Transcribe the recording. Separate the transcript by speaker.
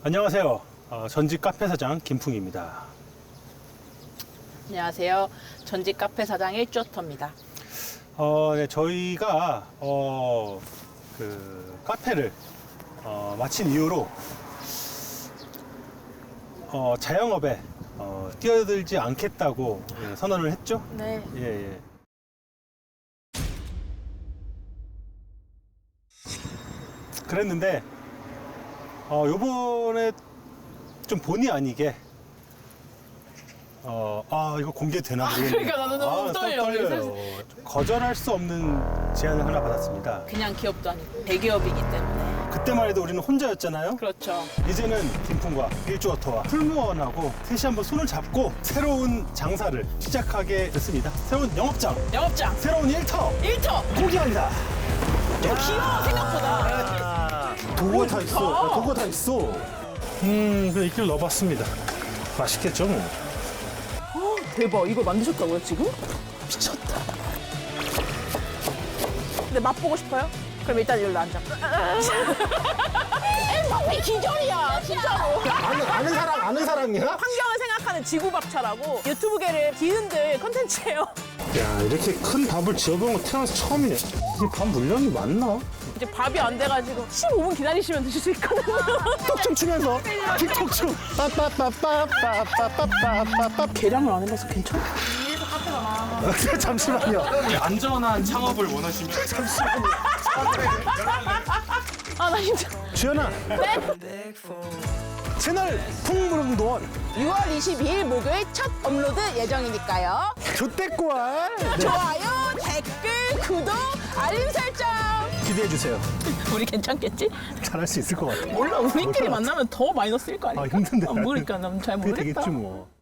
Speaker 1: 안녕하세요. 전직 카페 사장 김풍입니다.
Speaker 2: 안녕하세요. 전직 카페 사장 일조터입니다.
Speaker 1: 네, 저희가 카페를 마친 이후로 자영업에 뛰어들지 않겠다고 선언을 했죠.
Speaker 2: 네.
Speaker 1: 예. 그랬는데 요번에 좀 본의 아니게 이거 공개되나 모르겠네요.
Speaker 2: 그러니까 나는 너무 떨려.
Speaker 1: 떨려요. 거절할 수 없는 제안을 하나 받았습니다.
Speaker 2: 그냥 기업도 아니고 대기업이기 때문에.
Speaker 1: 그때만 해도 우리는 혼자였잖아요.
Speaker 2: 그렇죠.
Speaker 1: 이제는 김풍과 일조어터와 풀무원하고 셋이 한번 손을 잡고 새로운 장사를 시작하게 됐습니다. 새로운 영업장,
Speaker 2: 영업장
Speaker 1: 새로운 일터
Speaker 2: 일터
Speaker 1: 공개합니다.
Speaker 2: 귀여워 생각보다.
Speaker 1: 도구가 다 있어. 도구가 다 있어. 그래 이끼를 넣어봤습니다. 맛있겠죠 뭐.
Speaker 2: 대박. 이걸 만드셨다고요 지금? 미쳤다. 근데 맛보고 싶어요? 그럼 일단 여기로 앉아. 엠버피 기절이야 진짜로.
Speaker 1: 아는 사람이야?
Speaker 2: 환경을 생각하는 지구밥차라고 유튜브계를 뒤흔들 컨텐츠예요.
Speaker 1: 야 이렇게 큰 밥을 지어본 거 태어나서 처음이네. 이게 밥 물량이 많나?
Speaker 2: 이제 밥이 안 돼가지고 15분 기다리시면 드실 수 있거든요.
Speaker 1: 톡좀 추면서 틱톡 춤. 빠빠빠빠빠빠빠빠빠.
Speaker 2: 계량을 안 해봐서 괜찮아?
Speaker 1: 잠시만요.
Speaker 3: 안전한 창업을 원하시면
Speaker 2: 아 나 진짜.
Speaker 1: 주연아.
Speaker 2: 네?
Speaker 1: 채널 풍부릉도원
Speaker 2: 6월 22일 목요일 첫 업로드 예정이니까요.
Speaker 1: 조태꿀
Speaker 2: 좋아요, 댓글, 구독, 알림 설정.
Speaker 1: 기대해 주세요.
Speaker 2: 우리 괜찮겠지?
Speaker 1: 잘할 수 있을 것 같아.
Speaker 2: 몰라 우리끼리
Speaker 1: 몰라.
Speaker 2: 만나면 더 마이너스일 거 아니야?
Speaker 1: 힘든데.
Speaker 2: 모르니까 난 잘
Speaker 1: 그게
Speaker 2: 모르겠다.
Speaker 1: 되겠지 뭐.